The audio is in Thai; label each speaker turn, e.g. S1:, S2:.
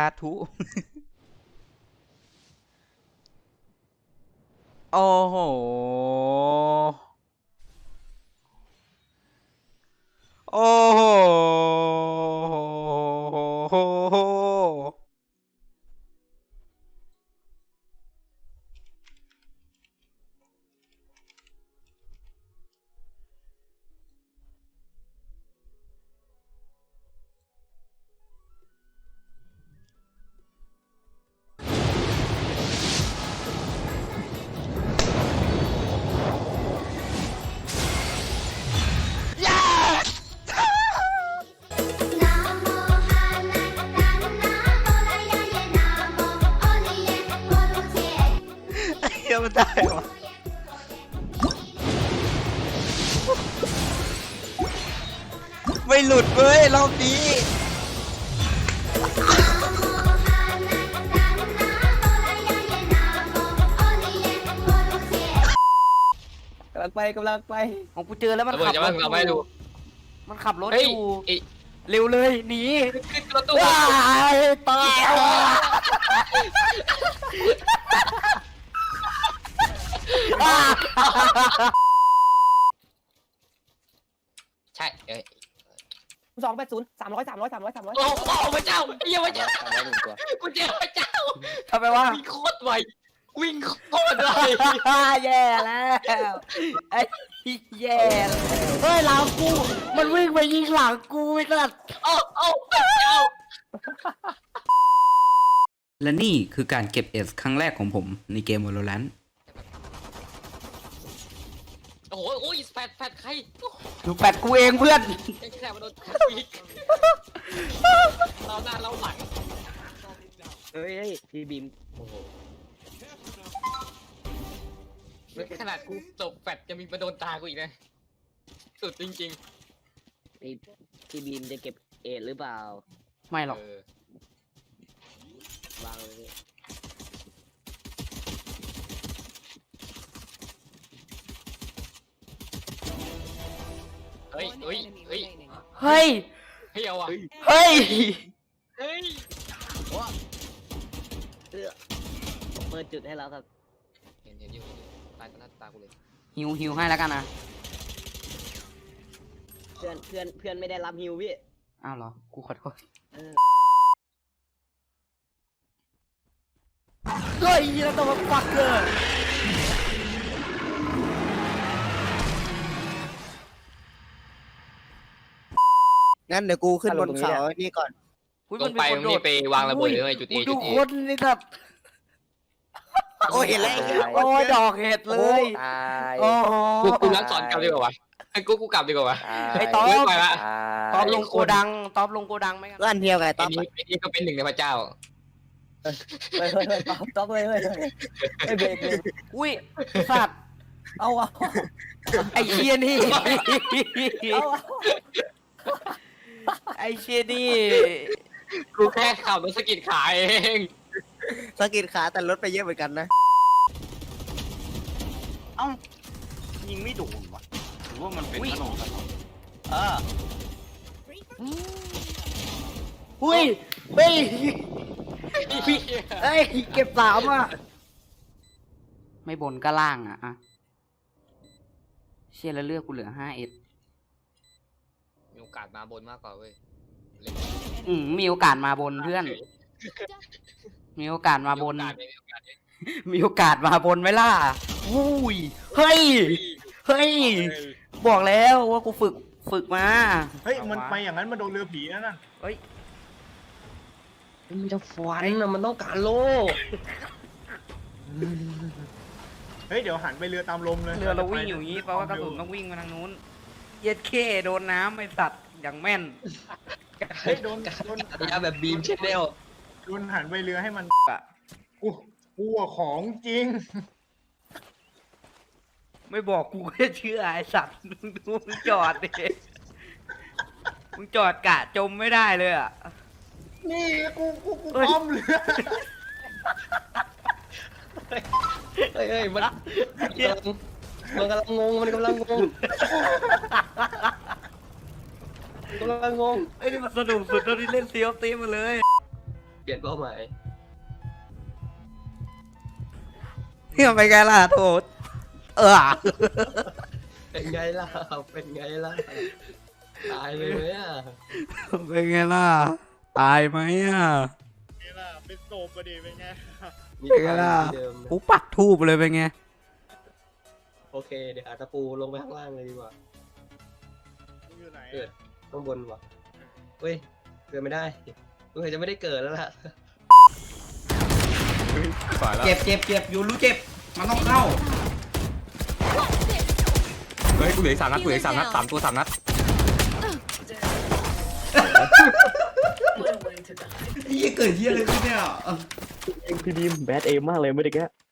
S1: ธุ โอ้โห โอ้โห เฮียมันได้วะไม่หลุดเว้ยรอบนี้
S2: กำลังไป
S1: ของกูเจอแล้วมัน
S3: ระเบิด
S1: ขับ
S3: จะ
S1: ร
S3: มา
S1: ถ
S3: เราไม่ดู
S1: มันขับรถ
S3: เฮ้ย
S1: อยู่
S3: ไอ้
S1: เร็วเลยหนี
S3: ขึ้นรถตู้
S1: ว้ายตาย
S3: ใช่เอ้ย
S2: 280 300
S3: โอ้โหพระเจ้าเยี่ยมพระเจ้า
S2: 300ตัว
S3: กูเจอพระเจ้า
S1: ทำไมวะ
S3: วิ่งโคตรไววิ่งโคตรไว
S1: แย่แล้วไอ้แย่แล้วเฮ้ยหลังกูมันวิ่งไปยิงหลังกูไอ้สัส
S3: โอ้พระเจ้า
S1: และนี่คือการเก็บเอสครั้งแรกของผมในเกม Valorant
S3: โอ้โหโอ้ยแฟดใคร
S1: ดูแปดกูเองเพื่อน
S3: ไอ้แค่มาโดนอีกเราหน้าเราหลัง
S2: เฮ้ยพี่บีมโอ้โห
S3: ขนาดกูจบแฟดจะมีมาโดนตากูอีกนะสุดจริง
S2: ไอพี่บีมจะเก็บเอทหรือเปล่า
S1: ไม่
S3: ๆ
S1: หรอก
S2: วางเลย
S3: เฮ้ยเฮ้ยเฮ้ย
S1: เฮ้ย
S3: เฮ้ยเอาอ่ะ
S1: เฮ้ย
S3: เฮ้ย
S2: เปิดจุดให้แล้วครับ
S3: เห็นอยู่ตายต่อหน้าตากูเลย
S1: หิวให้แล้วกันนะ
S2: เพื่อนไม่ได้รับฮิวพี่
S1: อ้าวเหรอ กูขอโทษ
S2: เออ
S1: เฮ้ยแล้วตัวฟักเกอร์
S4: งั้นเดี๋ยวกูขึ้นบนเขานี่ก่อน
S3: ลงไปมึงนี่ไปวางระเบิดเลยจุดเอ
S1: ดู
S3: จุดเอ
S1: คนนี่แบบ
S4: โอ้ยเห็นแล้ว
S1: โอ้ยดอกเห็ดเลย
S2: ตาย
S1: โอ้โห
S3: กูรักสอนกลับดีกว่าวะกูกลับดีกว่าวะ
S1: ไอ้ต๊อบ
S3: ไม่ไปละ
S1: ตอบลงโกดังตอบลงโกดังไหมกัน
S4: ก็อันเดียวกับไอ้
S3: ไอ้
S4: ต๊อป
S3: นี่ก็เป็นหนึ่งในพระเจ้า
S2: เฮ้ยต๊อบเฮ้ยเบรก
S1: อุ้ยสัตว์
S2: เอา
S1: ไอ้เชียนี่
S2: เอา
S1: ไอ้เชียนี่
S3: กูแค่ขับรถสกิดขายเอง
S4: สะกิดขาแต่รถไปเยอะเหมือนกันนะ
S5: เอ้ายิงไม่โดนวะหรือว่ามันเป็นขนมกันเออ
S1: อุ้ยเฮ้ยเฮ้ยเก็บสามอ่ะไม่บนก็ล่างอ่ะเชียแล้วเลือกกูเหลือ5
S3: มีโอกาสมาบนมากกว่าเว้ย
S1: มีโอกาสมาบนเพื่อน มีโอกาสมาบน มีโอกาสมาบนไหมล่ะอุ้ยเฮ้ยเฮ้ยบอกแล้วว่ากูฝึกมา
S6: เฮ้ยมันไปอย่างนั้นมันโดนเรือผีนะนั่น
S1: เฮ้ย
S2: มันจะฟันนะมันต้องการโล่
S6: เฮ้ยเดี๋ยวหันไปเรือตามลมเลย
S1: เรือเราวิ่งอยู่อย่างนี้แปลว่ากระสุนต้องวิ่งมาทางนู้นเย็ดเคโดนน้ำไม่สัตว์อย่างแม่น
S6: เฮ้ยโดน
S3: แบบบีมเชนเดล
S6: โดนหันไปเรือให้มัน
S1: อะ
S6: กูอะของจริง
S1: ไม่บอกกูก็จะเชื่อไอ้สัตว์มึงดูมึงจอดดิมึงจอดกะจมไม่ได้เลยอ่ะ
S6: นี่กู
S1: เฮ้ย
S6: ป้อมเรือ
S2: เฮ้ยมันกำลังงงมันกำลังงง
S1: ไอ้นี่มันสนุกสุดเท่าที่เล่นซีออฟตีมาเลย
S2: เปลี่ยนเป้าหมาย
S1: เนี่ยไปไงล่ะโทษ
S2: เป็นไงล่ะเป็นไงล่ะตายเลยไหมอ่ะ
S1: เป็นไงล่ะตายไหมอ่ะ
S6: นี่ล่ะเป็นโศกก็ดีเป็นไง
S2: มี
S1: เป็นไงล่ะ
S2: ที่เดิมนะ
S1: กูปักทูบเลยเป็นไง
S2: โอเคเดี๋ยวหาตะปูลงไปข้างล่างเลยดีกว่า
S6: มึงอยู่ไหน
S2: เกิดข้างบนว่ะเฮ้ยเกิดไม่ได้สงสัยจะไม่ได้เกิดแล้วล่ะ
S1: เจ็บอยู่รู้เจ็บมันต้องเข้า
S7: เฮ้ยกูเหลืออีก3 นัดกูเหลืออีก3 นัด3 ตัว 3 นัด
S1: ยี่เกิดเยี่ยอะไรขึ้นเนี่ย
S8: พี่บีมแบดเอมมากเลยไม่ได้แก